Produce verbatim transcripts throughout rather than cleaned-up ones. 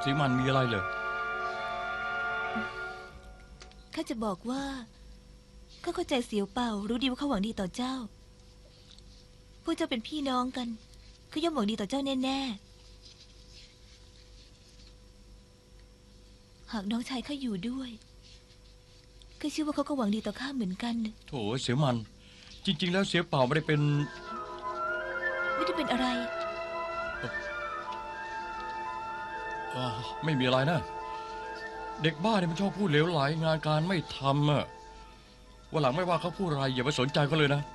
สีมันมีอะไรเลยข้าจะบอกว่าข้าเข้าใจเสียวเป่ารู้ดีว่าเขาหวังดีต่อเจ้าพวกเจ้าเป็นพี่น้องกันเขาย่อมหวังดีต่อเจ้าแน่ๆหากน้องชายข้าอยู่ด้วยข้าเชื่อว่าเขาก็หวังดีต่อข้าเหมือนกันโถเสียมันจริงๆแล้วเสียเป่าไม่ได้เป็นไม่ได้เป็นอะไรไม่มีอะไรนะเด็กบ้าเนี่ยมันชอบพูดเหลวไหลงานการไม่ทำอะวันหลังไม่ว่าเขาพูดอะไรอย่าไปสนใจเขาเลยนะ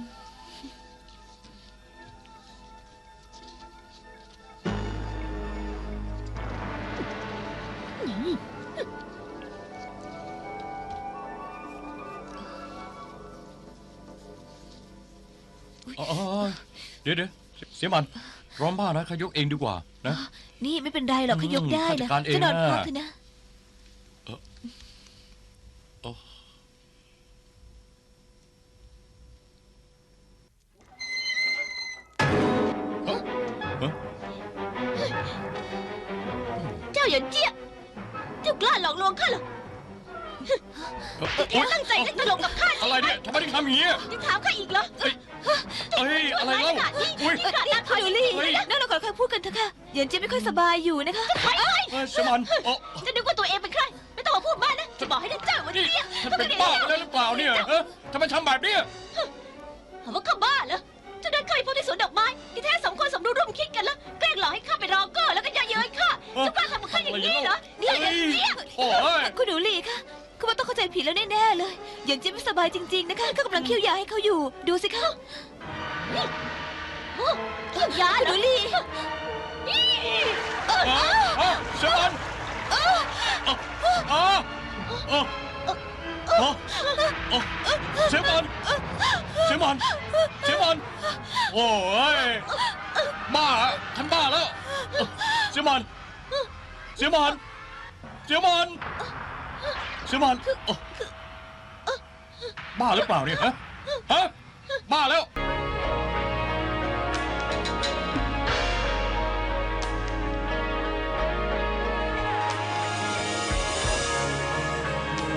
เดี๋ยวเดี๋ยวเสียมันร้อนบ้านะขยกเองดีกว่านะนี่ไม่เป็นไรหรอกขยกได้นะจะนอนพักเถอะนะเจ้าอย่าเจี๊ยบเจ้ากล้าหลอกลวงข้าเหรอแกตั้งใจเล่นตลกกับข้าอะไรเนี่ยทำไมถึงทำอย่างนี้ยังถามข้าอีกเหรอเฮ้ยอะไรเล่าอุ้ยนี่คุณดูลี่นั่นเราขอใครพูดกันเถอะค่ะเย็นเจี๊ยบไม่ค่อยสบายอยู่นะคะเสียมันจะนึกว่าตัวเองเป็นใครไม่ต้องมาพูดมากนะจะบอกให้ท่านเจ้าวันนี้ท่านเป็นบ้าไปแล้วหรือเปล่าเนี่ยทำไมทำแบบนี้ถามว่าข้าบ้าเหรอเจ้าเดินเข้าไปพบที่สวนดอกไม้ที่แท้สองคนสมรู้ร่วมคิดกันแล้วแกล้งหลอกให้ข้าไปรอเกอร์แล้วก็เย่อเย้ยข้าเจ้ากล้าทำกับข้าอย่างนี้เหรอนี่เย็นเจี๊ยบคุณดูลี่ค่ะคุณว่าต้องเข้าใจผิดแล้วแน่ๆเลยเย็นเจี๊ยบไม่สบายจริงๆนะคะก็กำลังเคี่ยวยาให้เขาอยู่ดูสิคะเคี่ยวยาคุณดูลี่เสียมันเสียมันเสียมันเสียมันโอ้ยบ้าท่านบ้าแล้วเสียมันเสียมันเสียมันเสียมันบ้าหรือเปล่าเนี่ยฮะฮะบ้าแล้ว